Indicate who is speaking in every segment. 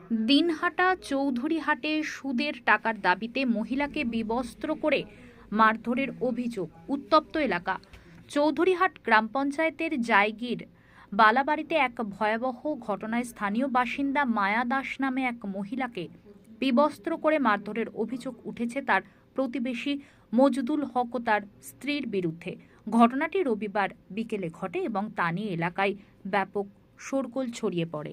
Speaker 1: দিনহাটা চৌধুরীহাটে সুদের টাকার দাবিতে মহিলাকে বিবস্ত্র করে মারধরের অভিযোগ। উত্তপ্ত এলাকা। চৌধুরীহাট গ্রাম পঞ্চায়েতের জায়গির বালাবাড়িতে এক ভয়াবহ ঘটনায় স্থানীয় বাসিন্দা মায়া দাস নামে এক মহিলাকে বিবস্ত্র করে মারধরের অভিযোগ উঠেছে তার প্রতিবেশী মজদুল হক ও তার স্ত্রীর বিরুদ্ধে। ঘটনাটি রবিবার বিকেলে ঘটে এবং তা নিয়ে এলাকায় ব্যাপক শোরগোল ছড়িয়ে পড়ে।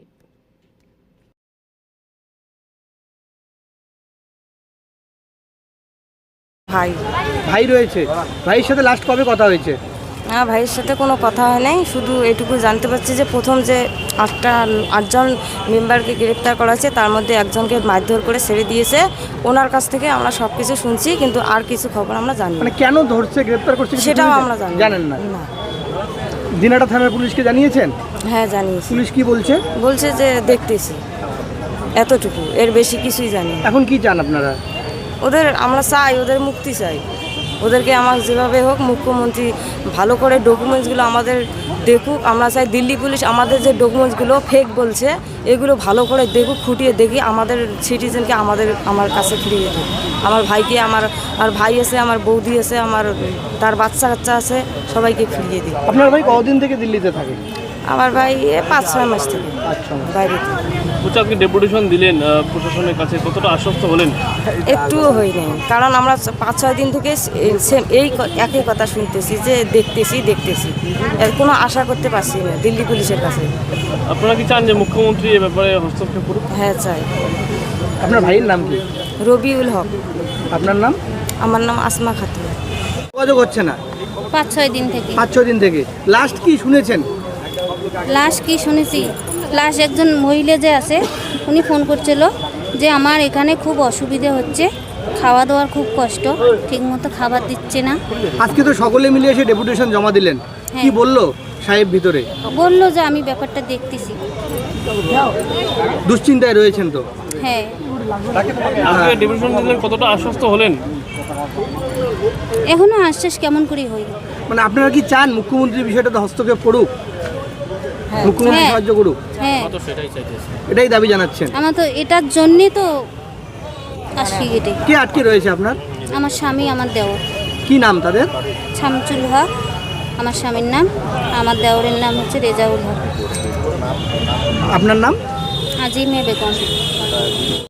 Speaker 2: ভাই রয়েছে, ভাইয়ের সাথে লাস্ট কবে কথা হয়েছে?
Speaker 3: না, ভাইয়ের সাথে কোনো কথা হয় নাই। শুধু এটুকু জানতে পারছি যে প্রথম যে আটজন মেম্বারকে গ্রেপ্তার করা হয়েছে তার মধ্যে একজনকে মারধর করে ছেড়ে দিয়েছে। ওনার কাছ থেকে আমরা সব কিছু শুনছি, কিন্তু আর কিছু খবর আমরা জানি না।
Speaker 2: মানে কেন ধরছে, গ্রেপ্তার করছে
Speaker 3: সেটাও আমরা
Speaker 2: জানেন না? দিনহাটা থানার পুলিশকে জানিয়েছেন?
Speaker 3: হ্যাঁ, জানিয়েছি।
Speaker 2: পুলিশ কি বলছে?
Speaker 3: বলছে যে দেখতেছি, এতটুকু, এর বেশি কিছুই জানি না।
Speaker 2: এখন কি চান আপনারা?
Speaker 3: আমরা চাই ওদের মুক্তি চাই। ওদেরকে আমার যেভাবে হোক মুখ্যমন্ত্রী ভালো করে ডকুমেন্টসগুলো আমাদের দেখুক। আমরা চাই দিল্লি পুলিশ আমাদের যে ডকুমেন্টসগুলো ফেক বলছে এগুলো ভালো করে দেখুক, খুঁটিয়ে দেখি আমাদের সিটিজেনকে আমার কাছে ফিরিয়ে দিক। আমার ভাইকে, আমার ভাই আছে, আমার বৌদি আছে, তার বাচ্চা কাচ্চা আছে, সবাইকে ফিরিয়ে দিই।
Speaker 2: আপনার ভাই কতদিন থেকে দিল্লিতে থাকে?
Speaker 3: আমার ভাই 5-6 মাস থেকে বাইরে।
Speaker 4: আপনি ডেপুটেশন দিলেন প্রশাসনের কাছে, কতটা আশ্বস্ত হলেন?
Speaker 3: একটুও হই নাই, কারণ আমরা 5-6 দিন থেকে সেম একই কথা শুনতেছি যে দেখতেছি। এর কোনো আশা করতে পারছি না দিল্লি পুলিশের কাছে।
Speaker 4: আপনারা কি চান যে মুখ্যমন্ত্রী এ ব্যাপারে হস্তক্ষেপ করুন?
Speaker 3: হ্যাঁ, চাই।
Speaker 2: আপনার ভাইয়ের নাম কি?
Speaker 3: রবিউল হক।
Speaker 2: আপনার নাম?
Speaker 3: আমার নাম আসমা খাতুন।
Speaker 2: যোগাযোগ হচ্ছে না
Speaker 5: 5-6 দিন থেকে।
Speaker 2: 5-6 দিন থেকে। লাস্ট কি শুনেছেন?
Speaker 5: লাস্ট কি শুনেছি, লাস্ট একজন মহিলা যে আছে উনি ফোন করছিল যে আমার এখানে খুব অসুবিধে হচ্ছে, খাওয়া দাওয়ার খুব কষ্ট, ঠিকমতো খাবার দিচ্ছে না।
Speaker 2: আজকে তো সকলে মিলে এসে ডেপুটেশন জমা দিলেন, কি বললো সাহেব ভিতরে?
Speaker 5: বললো যে আমি ব্যাপারটা দেখতেছি।
Speaker 2: দুশ্চিন্তায় রয়েছেন তো?
Speaker 5: হ্যাঁ।
Speaker 4: আপনি ডেপুটেশন দিলেন, কতটা আশ্বস্ত হলেন?
Speaker 5: এখনো আশ্বাস কেমন করে হই।
Speaker 2: মানে আপনারা কি চান মুখ্যমন্ত্রী বিষয়টাতে হস্তক্ষেপ করুক, মুখ্যমন্ত্রী সাহায্য করুক?
Speaker 5: হ্যাঁ,
Speaker 2: এটাই দাবি জানাচ্ছেন?
Speaker 5: আমার তো এটার জন্যে তো আসি এটাই।
Speaker 2: কে আটকে রয়েছে আপনার?
Speaker 5: আমার স্বামী, আমার দেওর।
Speaker 2: কি নাম তাদের?
Speaker 5: শামচুল হক আমার স্বামীর নাম, আমার দেওরের নাম হচ্ছে রেজাউল হক।
Speaker 2: আপনার নাম?
Speaker 5: আজিমে বেগম।